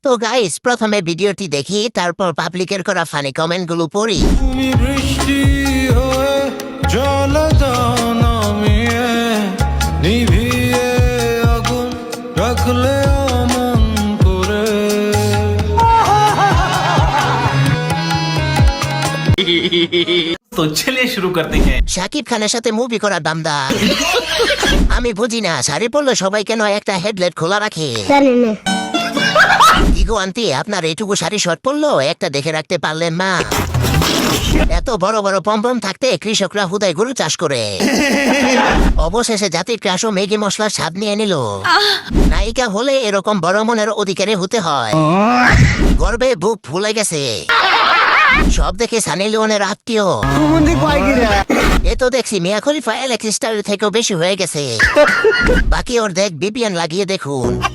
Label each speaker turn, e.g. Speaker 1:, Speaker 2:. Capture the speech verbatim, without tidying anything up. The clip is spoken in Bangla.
Speaker 1: তো গাইস প্রথমে ভিডিওটি দেখি, তারপর পাবলিকের করা ফানি কমেন্ট গুলো পড়ি।
Speaker 2: তুমি বৃষ্টি হয়ে জল দাও নামিয়ে, নিভিয়ে আগুন রাখলে অমন করে।
Speaker 3: तो चलिए शुरू करते हैं।
Speaker 1: শাকিব খানের সাথে মুভি করার দামদা আমি বুঝি না, শাড়ি পরলে সবাই কেন একটা হেডলাইট খোলা রাখে? ইগো আন্টি, আপনার এইটুকু শাড়ি শর্ট পরলো, একটা দেখে রাখতে পারলেন না? এত বড় বড় পম্পম থাকতে কৃষকরা হুদায় গরু চাষ করে। অবশেষে জাতির ক্রাশ ও ম্যাগি মশলার স্বাদ নিয়ে নিল। নায়িকা হলে এরকম বড় মনের অধিকারী হতে হয়। গর্বে বুক ফুলে গেছে। সব দেখে সানি লিওনের আত্মীয়। এ তো দেখছি মিয়া খলিফা এলেক্স স্টারের থেকেও বেশি হয়ে গেছে। বাকি ওর দেখ বিপিএন লাগিয়ে দেখুন।